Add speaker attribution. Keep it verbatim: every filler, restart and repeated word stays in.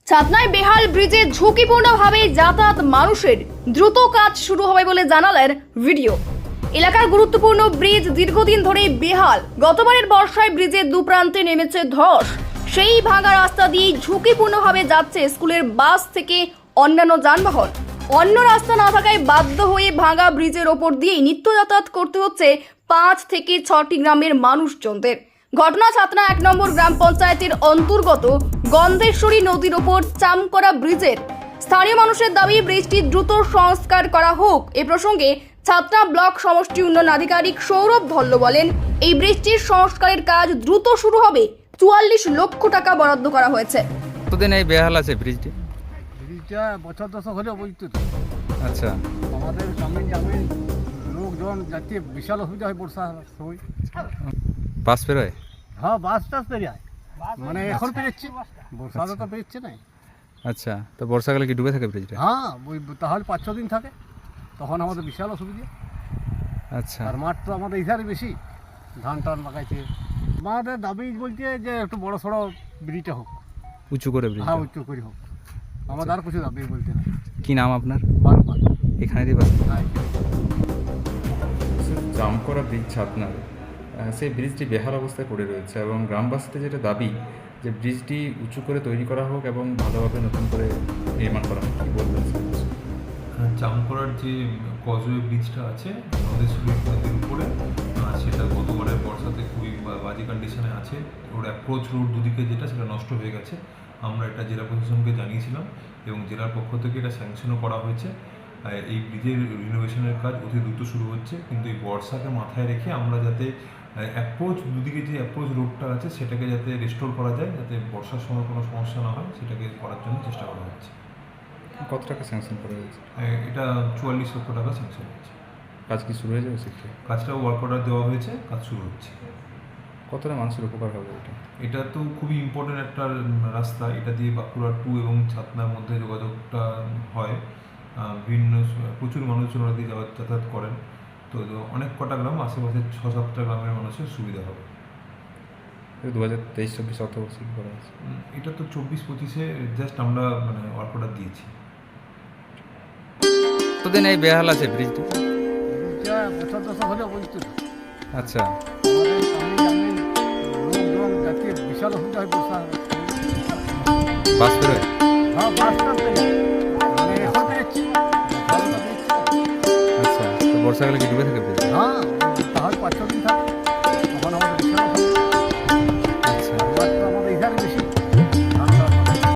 Speaker 1: ছাতনায় বেহাল ব্রিজে ঝুঁকিপূর্ণভাবে যাতায়াত মানুষের দ্রুত কাজ শুরু হবে বলে জানালেন ভিডিও। এলাকার গুরুত্বপূর্ণ ব্রিজ দীর্ঘদিন ধরে বেহাল। গতবারের বর্ষায় ব্রিজের দুপ্রান্তে নেমেছে ধস। সেই ভাঙা রাস্তা দিয়েই ঝুঁকিপূর্ণভাবে যাচ্ছে স্কুলের বাস থেকে অন্যান্য যানবাহন। অন্য রাস্তা না থাকায় বাধ্য হয়ে ভাঙা ব্রিজের ওপর দিয়েই নিত্য যাতায়াত করতে হচ্ছে পাঁচ থেকে ছটি গ্রামের মানুষজনদের। ঘটনা ছাতনা এক নম্বর গ্রাম পঞ্চায়েতের অন্তর্গত গন্ধেশ্বরী নদীর ওপর চামকরা ব্রিজের। স্থানীয় মানুষের দাবি ব্রিজটি দ্রুত সংস্কার করা হোক। এ প্রসঙ্গে ছাতনা ব্লক সমষ্টি উন্নয়ন আধিকারিক সৌরভ ধল্ল বলেন, এই ব্রিজটির সংস্কারের কাজ দ্রুত শুরু হবে। চুয়াল্লিশ লক্ষ টাকা বরাদ্দ করা হয়েছে।
Speaker 2: কতদিন এই বেহাল আছে ব্রিজটি?
Speaker 3: ব্রিজটা বছর দশক হলেও বুঝতে তো
Speaker 2: আচ্ছা,
Speaker 3: আমাদের গ্রামীণ গ্রামীণ লোকজন যাতে বিশাল অসুবিধা হয় বর্ষার সময়।
Speaker 2: বাস পেরোয়?
Speaker 3: হ্যাঁ, বাস টাস পেরিয়ে মানে এখন পেরেচ্ছে, বর্ষাতে তো পেরেচ্ছে না।
Speaker 2: আচ্ছা, তো বর্ষাকালে কি ডুবে থাকে ব্রিজটা?
Speaker 3: হ্যাঁ, ওই তাহলে পাঁচ ছ দিন থাকে, তখন আমাদের বিশাল অসুবিধা।
Speaker 2: আচ্ছা,
Speaker 3: আর মাঠ তো আমাদের ইধারে বেশি, ধান টান লাগাইছে। আমাদের দাবি বলছে যে একটু বড় সড়ো ব্রিজটা হোক,
Speaker 2: উঁচু করে ব্রিজ।
Speaker 3: হ্যাঁ উচ্চ করে হোক। আমাদের আর কিছু দাবি বলতে না।
Speaker 2: কি নাম আপনার?
Speaker 3: বারবার
Speaker 2: এখানেরই বাস?
Speaker 3: হ্যাঁ,
Speaker 4: জামকরা ব্রিজ ছাতনার সেই ব্রিজটি বেহাল অবস্থায় পড়ে রয়েছে এবং গ্রামবাসীদের যেটা দাবি যে ব্রিজটি উঁচু করে তৈরি করা হোক এবং ভালোভাবে নতুন করে নির্মাণ করা হোক। কী বলবেন স্যার?
Speaker 5: জামকরার যে কজওয়ে ব্রিজটা আছে গন্ধেশ্বরী নদীর উপরে, সেটা গতবারের বর্ষাতে খুবই বাজে কন্ডিশনে আছে। ওর অ্যাপ্রোচ রোড দুদিকে যেটা সেটা নষ্ট হয়ে গেছে। আমরা এটা জেলা প্রশাসনকে জানিয়েছিলাম এবং জেলার পক্ষ থেকে এটা স্যাংশনও করা হয়েছে। এই ব্রিজের রিনোভেশনের কাজ অতি দ্রুত শুরু হচ্ছে, কিন্তু এই বর্ষাকে মাথায় রেখে আমরা যাতে অ্যাপ্রোচ দুদিকে যে অ্যাপ্রোচ রোডটা আছে সেটাকে যাতে রেস্টোর করা যায়, যাতে বর্ষার সময় কোনো সমস্যা না হয়, সেটাকে করার জন্য চেষ্টা করা হচ্ছে।
Speaker 4: কত টাকা স্যাংশন করা হয়েছে?
Speaker 5: এটা চুয়াল্লিশ লক্ষ টাকা স্যাংশন হয়েছে।
Speaker 4: কাজ কি শুরু হয়ে যাবে সেক্ষেত্রে?
Speaker 5: কাজটাও ওয়ার্ক অর্ডার দেওয়া হয়েছে, কাজ শুরু হচ্ছে।
Speaker 4: কতটা মানুষের উপকার হবে এটা?
Speaker 5: এটা তো খুবই ইম্পর্টেন্ট একটা রাস্তা। এটা দিয়ে বাঁকুড়া টু এবং ছাতনার মধ্যে যোগাযোগটা হয়। বিভিন্ন প্রচুর মানুষজন ওরা দিয়ে যাওয়া যাতায়াত করেন। তো অনেক কটা গ্রাম, আশেপাশে ছ সাতটা গ্রামের মানুষের সুবিধা হবে।
Speaker 4: দু হাজার তেইশ চব্বিশ অর্থবর্ষে কী করা হয়েছে?
Speaker 5: এটা তো চব্বিশ পঁচিশে জাস্ট আমরা মানে ওয়ার্ক অর্ডার দিয়েছি।
Speaker 2: কতদিন এই বেহাল আছে ব্রিজটি?
Speaker 3: ব্রিজটা বছর দশক হলেও বুঝতে তো
Speaker 2: আচ্ছা,
Speaker 3: আমাদের গ্রামীণ গ্রামীণ লোকজন যাতে বিশাল অসুবিধা হয় বর্ষার সময়।
Speaker 2: বাস পেরোয়?
Speaker 3: হ্যাঁ, বাস টাস পেরিয়ে মানে এখন পেরেচ্ছে।
Speaker 2: আচ্ছা, তো বর্ষাকালে কি ডুবে থাকে ব্রিজ?